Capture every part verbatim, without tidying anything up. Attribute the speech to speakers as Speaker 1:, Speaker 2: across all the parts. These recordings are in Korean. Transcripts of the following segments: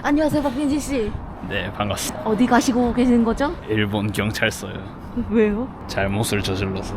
Speaker 1: 안녕하세요, 박민지 씨.
Speaker 2: 네, 반갑습니다.
Speaker 1: 어디 가시고 계시는 거죠?
Speaker 2: 일본 경찰서요.
Speaker 1: 왜요?
Speaker 2: 잘못을 저질러서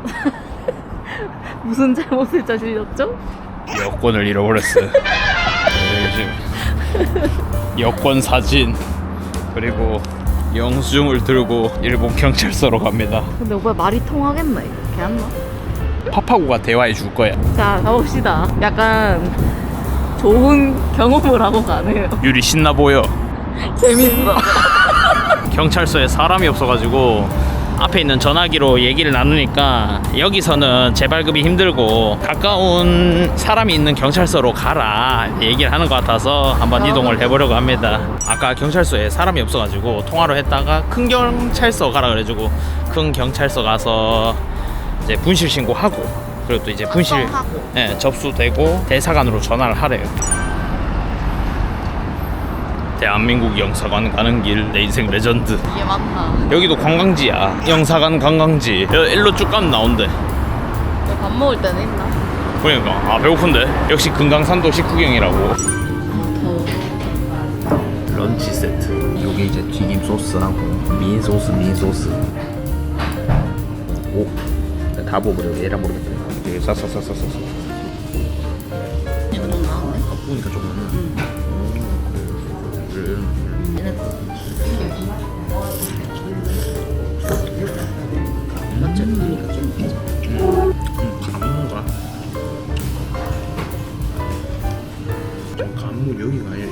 Speaker 1: 무슨 잘못을 저질렀죠?
Speaker 2: 여권을 잃어버렸어요. 네, 요즘 여권 사진 그리고 영수증을 들고 일본 경찰서로 갑니다.
Speaker 1: 근데 오빠 말이 통하겠나 이거? 걔안나?
Speaker 2: 파파고가 대화해 줄 거야.
Speaker 1: 자, 가봅시다. 약간 좋은 경험을 하고 가네요.
Speaker 2: 유리 신나 보여.
Speaker 1: 재밌어.
Speaker 2: 경찰서에 사람이 없어가지고 앞에 있는 전화기로 얘기를 나누니까 여기서는 재발급이 힘들고 가까운 사람이 있는 경찰서로 가라 얘기를 하는 것 같아서 한번 이동을 해보려고 합니다. 아까 경찰서에 사람이 없어가지고 통화로 했다가 큰 경찰서 가라 그래가지고 큰 경찰서 가서 이제 분실 신고하고 그리고 또 이제 분실 네, 접수되고 대사관으로 전화를 하래요. 대한민국 영사관 가는 길 내 인생 레전드.
Speaker 1: 이게 맞나?
Speaker 2: 여기도 관광지야. 영사관 관광지. 일로 쭉 가면 나온대.
Speaker 1: 밥 먹을 때는 있나?
Speaker 2: 그러니까 아 배고픈데. 역시 금강산도 식후경이라고.
Speaker 1: 더워.
Speaker 3: 런치 세트. 요게 이제 튀김 소스하고 민 소스, 민 소스. 오, 다 먹으려고 얘라 모르겠다. 되게 싸싸싸싸싸.
Speaker 1: 이거 너무 나왔네.
Speaker 3: 아, 보니까 좀 많아.
Speaker 1: 응. 맞지? 그러니까 좀
Speaker 3: 음, 감무가 좀 감무 여기가 아니라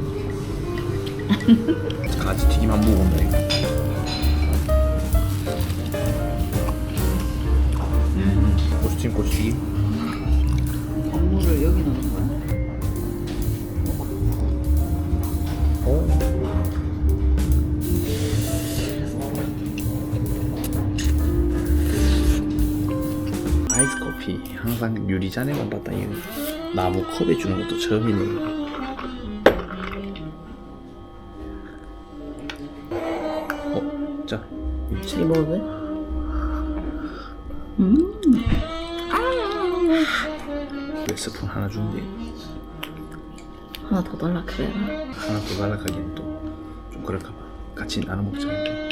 Speaker 3: 이쪽인가? 같이 튀김 한 번 먹어본다 이거. 음, 고추튀김 고추튀김.
Speaker 1: 건물을 여기 넣는 거야?
Speaker 3: 오. 아이스 커피 항상 유리잔에만 봤다. 이 나무 컵에 주는 것도 처음이네. 어, 자,
Speaker 1: 이 먹어도 돼? 음.
Speaker 3: 왜 스푼 하나 준대?
Speaker 1: 하나 더 달라 그래.
Speaker 3: 하나 더 달라가기엔 또 좀 그럴까 봐. 같이 나눠 먹자.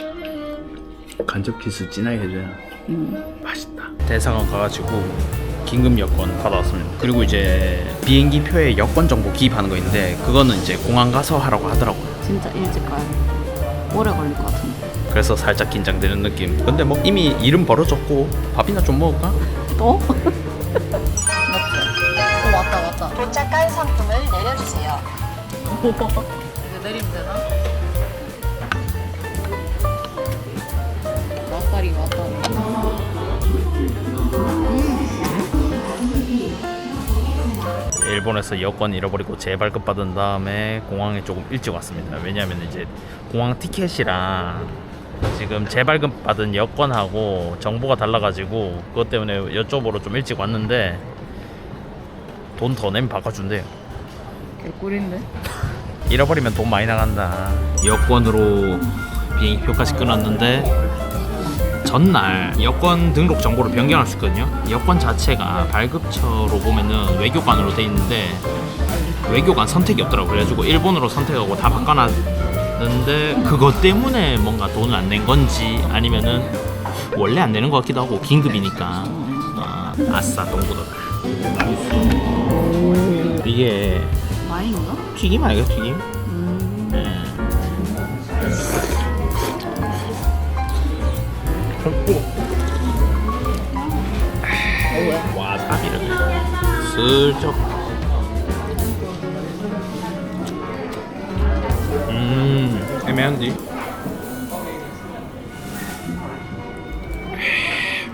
Speaker 3: 간접 키스 진하게 해줘야
Speaker 1: 음.
Speaker 3: 맛있다.
Speaker 2: 대사관 가가지고 긴급 여권 받아왔습니다. 그리고 이제 비행기 표에 여권 정보 기입하는 거 있는데 그거는 이제 공항 가서 하라고 하더라고요.
Speaker 1: 진짜 일찍 가야 돼. 오래 걸릴 것 같은데.
Speaker 2: 그래서 살짝 긴장되는 느낌. 근데 뭐 이미 이름 벌어졌고 밥이나 좀 먹을까?
Speaker 1: 또? 맞지? 어, 왔다 왔다.
Speaker 4: 도착한 상품을 내려주세요.
Speaker 1: 이제 내리면 되나? 왔다리 왔다리.
Speaker 2: 일본에서 여권 잃어버리고 재발급 받은 다음에 공항에 조금 일찍 왔습니다. 왜냐하면 이제 공항 티켓이랑 지금 재발급 받은 여권하고 정보가 달라가지고 그것 때문에 여쭤보러 좀 일찍 왔는데 돈 더 내면 바꿔준대요.
Speaker 1: 개꿀인데?
Speaker 2: 잃어버리면 돈 많이 나간다. 여권으로 비행기표까지 끊었는데 전날 여권 등록 정보를 변경할 수 있거든요. 여권 자체가 발급처로 보면은 외교관으로 돼 있는데 외교관 선택이 없더라고요. 그래가지고 일본으로 선택하고 다 바꿔놨는데 그것 때문에 뭔가 돈을 안 낸 건지 아니면은 원래 안 내는 것 같기도 하고 긴급이니까 어, 아싸 동구도 이게
Speaker 1: 와인인가?
Speaker 2: 튀김 아니야 튀김?
Speaker 1: 음.
Speaker 2: 네. 와사비를 슬쩍 음 애매한데